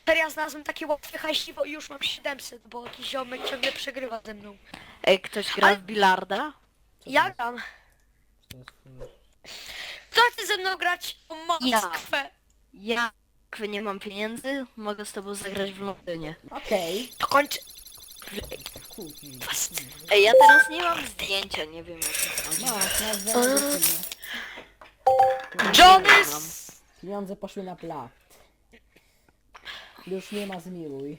Teraz znalazłem takie łatwe hajsiwo i już mam 700, bo jakiś ziomek ciągle przegrywa ze mną. Ej, ktoś gra w bilarda? Ja gram. Kto chce ze mną grać o Moskwę? Ja nie mam pieniędzy, mogę z tobą zagrać w Londynie. Okej. To kończy. Ej, ja teraz nie mam zdjęcia, nie wiem jak to chodzi. Masz zdjęcie. Johnny! Pieniądze poszły na plat. Już nie ma zmiłuj.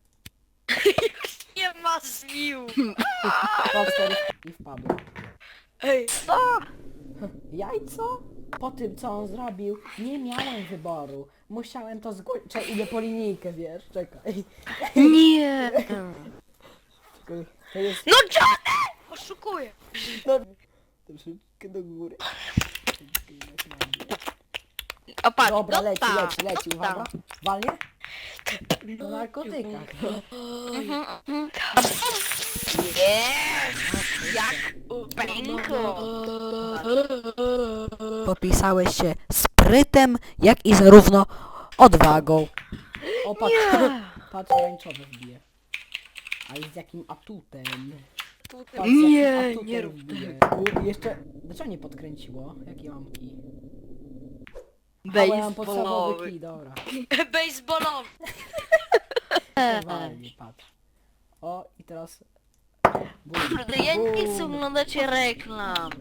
Nie ma zmił. Powstał i wpadł. Ej, Co? Jajco? Po tym co on zrobił, nie miałem wyboru. Musiałem to zgłosić. Czekaj, idę po linijkę, wiesz? Czekaj. Nie! Czekaj. To jest... no Johnny! Oszukuję. No, troszeczkę do góry. O, patrz, Dobra, no leci, tak, leci, no leci, tak. uwaga. Walnie? Na narkotykach. Jest! Jak u pęku! Podpisałeś się sprytem, jak i zarówno odwagą. O, patrz, patrz, rańczowy wbije. Ale z jakim atutem. Patrz, z jakim Nie, atutem nie rób wbije. Jeszcze, dlaczego nie podkręciło? Jakie mam kij? Ja mam podstawowy Baseballowy. kij, dobra. Baseballowy. Walnie, patrz. O, i teraz... Bum, Kurde, ja nie chcę bum. oglądać reklam.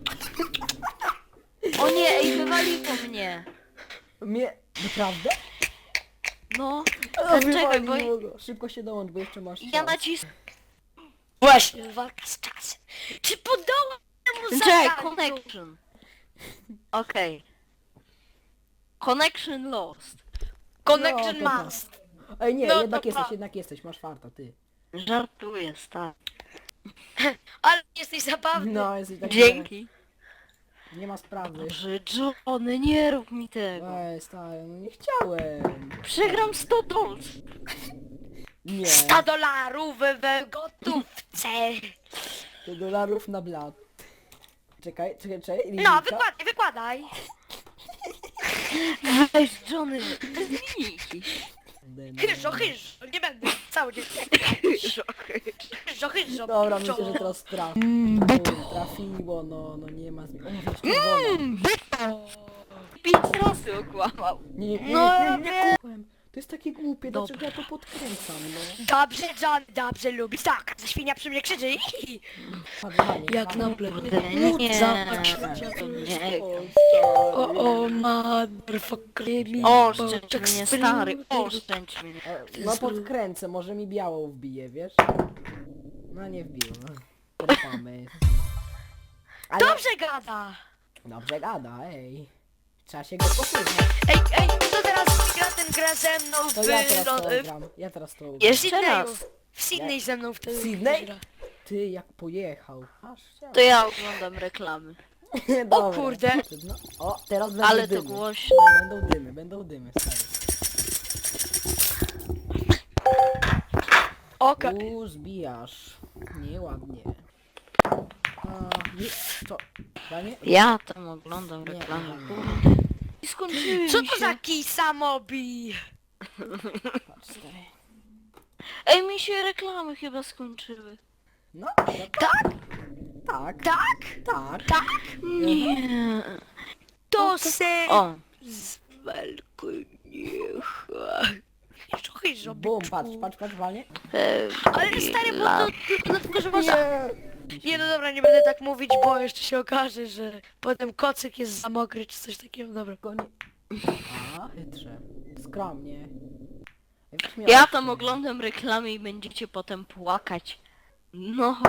O nie, ej, wywaliło mnie. Mnie... Naprawdę? No, O, czekaj, bo wywaliło go. Szybko się dołącz, bo jeszcze masz ja czas. nacisnę. Właśnie, walka z czasem. Czy podołam temu Czekaj, zadaniu? connection. Okej. Connection lost. Connection No, to must. Ej, nie, No, jednak to jesteś, pa. jednak jesteś, masz farta, ty. Żartuję, stary. Ale jesteś zabawny. No, jesteś taki... Dzięki. Nie ma sprawy. Boże, Johnny, nie rób mi tego. Ej, stary, no nie chciałem. Przegram 100 dolców. Nie, 100 dolarów we gotówce. to dolarów na blat. Czekaj. No, linijka. wykładaj, wykładaj. Weź, Johnny, bez linijki. Chyżo, chyżo, nie będę cały dzień. Chyżo, chyżo. Dobra, chyżo. myślę, że teraz trafiło, no nie ma zmian. O, jest czerwona. 5 razy okłamał. Nie, No, kupłem. To jest takie głupie, dlaczego ja to podkręcam, no. Dobrze, John, dobrze lubisz. Tak, ze świnia przy mnie krzyczy. Padanie, Jak padanie. na ple. Nie, nie. O, motherfucker. Oszczędź mnie, stary, oszczędź mnie. No podkręcę, może mi białą wbije, wiesz? No nie wbiło, no. Trafamy. Ale... Dobrze gada. Dobrze gada, ej. Trzeba się go posłuchać. Ej, kto teraz gra, ten gra ze mną To w... ja teraz to no, gram. Ja teraz to gram. w Jeszcze Sydneyu. raz. W Sydney ze mną wtedy. Sydney? gra. Ty, jak pojechał. Aż To ja oglądam reklamy. Dobra. kurde. No, o, teraz będą Ale to dymy. głośno. Będą dymy, stary. Okej. Zbijasz. Nieładnie. A, nie, co? Danie? Ja tam oglądam Nie, reklamy. nie. Kurde. I skończyły Co mi to się. za kij samobi? Patrz, stary. Ej, mi się reklamy chyba skończyły. No, Tak? tak, Tak? tak. Tak? Nie. To se O, z niech. Chyżo, Bum, patrz, walnie. Ale stary, bo to tylko dlatego, że można... Nie. Nie, no dobra, nie będę tak mówić, bo jeszcze się okaże, że potem kocyk jest za mokry, czy coś takiego, dobra. Go nie... A, chytrze. Skromnie. ja tam oglądam reklamy i będziecie potem płakać. No,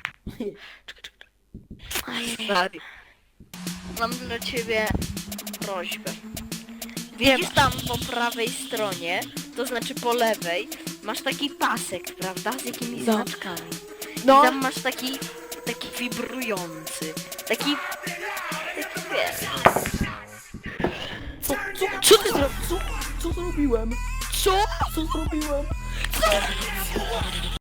stary. Mam dla ciebie prośbę. Widzisz tam po prawej stronie, to znaczy po lewej, masz taki pasek, prawda, z jakimiś No. znaczkami. No. I tam masz taki wibrujący, taki wiesz. Co ty zrobiłeś? Co zrobiłem? Co? Co zrobiłem?